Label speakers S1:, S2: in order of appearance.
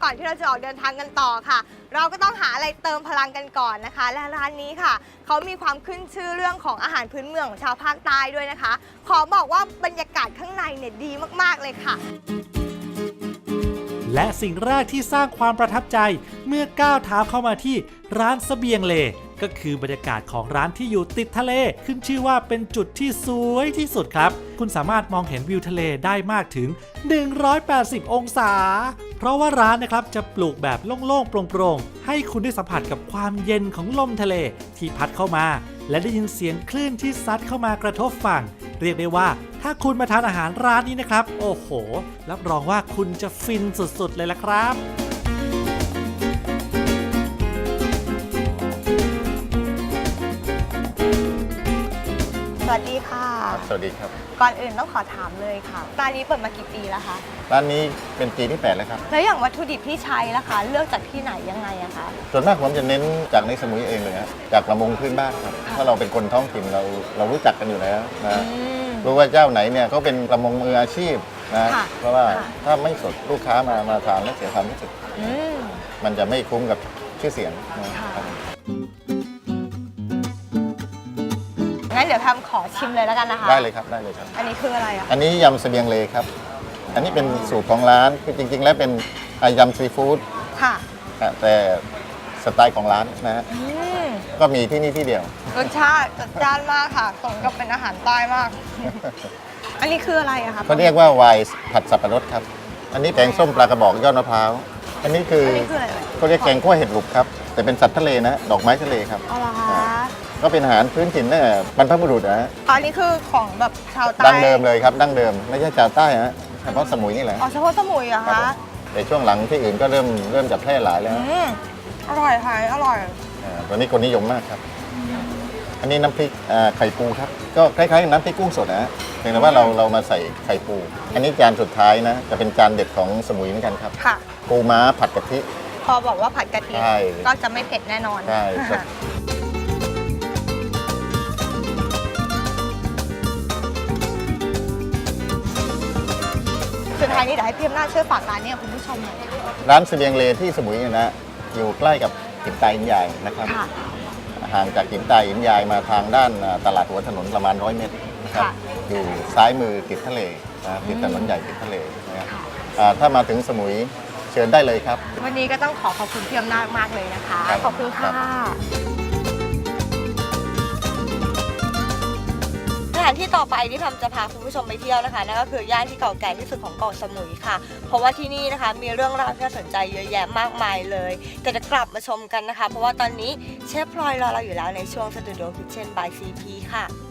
S1: ก่อนที่เราจะออกเดินทางกันต่อค่ะ เราก็ต้องหาอะไรเติมพลังกันก่อนนะคะและร้านนี้ค่ะเขามีความขึ้นชื่อเรื่องของอาหารพื้นเมืองของชาวภาคใต้ด้วยนะคะขอบอกว่าบรรยากาศข้างในเนี่ยดีมากๆเลยค่ะ
S2: และสิ่งแรกที่สร้างความประทับใจเมื่อก้าวเท้าเข้ามาที่ร้านเสบียงเลก็คือบรรยากาศของร้านที่อยู่ติดทะเลขึ้นชื่อว่าเป็นจุดที่สวยที่สุดครับคุณสามารถมองเห็นวิวทะเลได้มากถึง180องศาเพราะว่าร้านนะครับจะปลูกแบบโล่งๆโปร่งๆให้คุณได้สัมผัสกับความเย็นของลมทะเลที่พัดเข้ามาและได้ยินเสียงคลื่นที่ซัดเข้ามากระทบฝั่งเรียกได้ว่าถ้าคุณมาทานอาหารร้านนี้นะครับโอ้โหรับรองว่าคุณจะฟินสุดๆเลยล่ะครับ
S1: สวัสดีค่ะ
S3: สวัสดีครับ
S1: ก่อนอื่นต้องขอถามเลยค่ะร้านนี้เปิดมากี่ปีแล้วคะ
S3: ร้านนี้เป็นปีที่8แล้วครับ
S1: แล้วอย่างวัตถุดิบที่ใช้ล่ะคะเลือกจากที่ไหนยังไงอะคะ
S3: ส่วนมากผมจะเน้นจากในสมุยเองเลยฮะจากประมงพื้นบ้านครับเพราะเราเป็นคนท้องถิ่นเรารู้จักกันอยู่แล้วนะรู้ว่าเจ้าไหนเนี่ยเขาเป็นประมงมืออาชีพนะเพราะว่าถ้าไม่สดลูกค้ามาทานแล้วเสียความรู้สึกมันจะไม่คุ้มกับชื่อเสียงนะครับ
S1: งั้นเดี๋ยวทำขอชิมเลยแล้วกันนะคะ
S3: ได้เลยครับได้เลยครับ
S1: อันนี้คืออะไรอะ
S3: อันนี้ยำเสบียงเลครับอันนี้เป็นสูตรของร้านคือจริงๆแล้วเป็นยำซีฟู้ด
S1: ค่ะ
S3: แต่สไตล์ของร้านนะฮะก็มีที่นี่ที่เดียว
S1: รสชาติจัดจ้านมากค่ะสมกับเป็นอาหารใต้มาก อันนี้คืออะไรอะคะ
S3: เขาเรียกว่าไวน์ผัดสับปะรดครับอันนี้แกงส้มปลากระบอกยอดมะพร้าวอันนี้คือเขาเรียกแกงคั่วเห็ดหลุกครับแต่เป็นสัตว์ทะเลนะดอกไม้ทะเลครับ
S1: อ๋อเหรอคะ
S3: ก็เป็นอาหารพื้นถิ่นเนี่ยบรรพบุรุษนะ
S1: อันนี้คือของแบบชาวใต้
S3: ดั้งเดิมเลยครับดั้งเดิมไม่ใช่ชาวใต้ฮะเฉพาะสมุยนี่แหละ
S1: อ๋อเฉพาะสมุยเหรอคะ
S3: แต่ช่วงหลังที่อื่นก็เริ่มจะแพร่หลายแล้ว
S1: อร่อยค่ะอร่อย
S3: ตัวนี้คนนิยมมากครับอันนี้น้ำพริกไข่ปูครับก็คล้ายๆกับน้ำพริกกุ้งสดนะเพียงแต่ว่าเรามาใส่ไข่ปูอันนี้จานสุดท้ายนะจะเป็นจานเด็ดของสมุยเหมือนกันครับ
S1: ค่ะ
S3: ปูม้าผัดกะทิ
S1: พอบอกว่าผัดกะทิก็จะไม่เผ็ดแน่นอน
S3: ใช่
S1: สุดท้ายนี้เดี๋ยวให้พี่อำนาจช่วยฝากร้านนี้กับคุณผู้ชมหน่อย
S3: ร้านเสบียงเลที่สมุยนะอยู่ใกล้กับหินตาหินใหญ่นะครับห่างจากหินตาหินใหญ่มาทางด้านตลาดหัวถนนประมาณ100 เมตรนะครับอยู่ซ้ายมือติดทะเลติดถนนใหญ่ติดทะเลนะครับถ้ามาถึงสมุยเชิญได้เลยครับ
S1: วันนี้ก็ต้องขอบคุณพี่อำนาจมากเลยนะคะขอบคุณค่ะสถานที่ต่อไปที่ทำจะพาคุณผู้ชมไปเที่ยวนะคะนั่นก็คือย่านที่เก่าแก่ที่สุดของเกาะสมุยค่ะเพราะว่าที่นี่นะคะมีเรื่องราวที่น่าสนใจเยอะแยะมากมายเลยแต่จะกลับมาชมกันนะคะเพราะว่าตอนนี้เชฟพลอยรอเราอยู่แล้วในช่วง Studio Kitchen by CP ค่ะ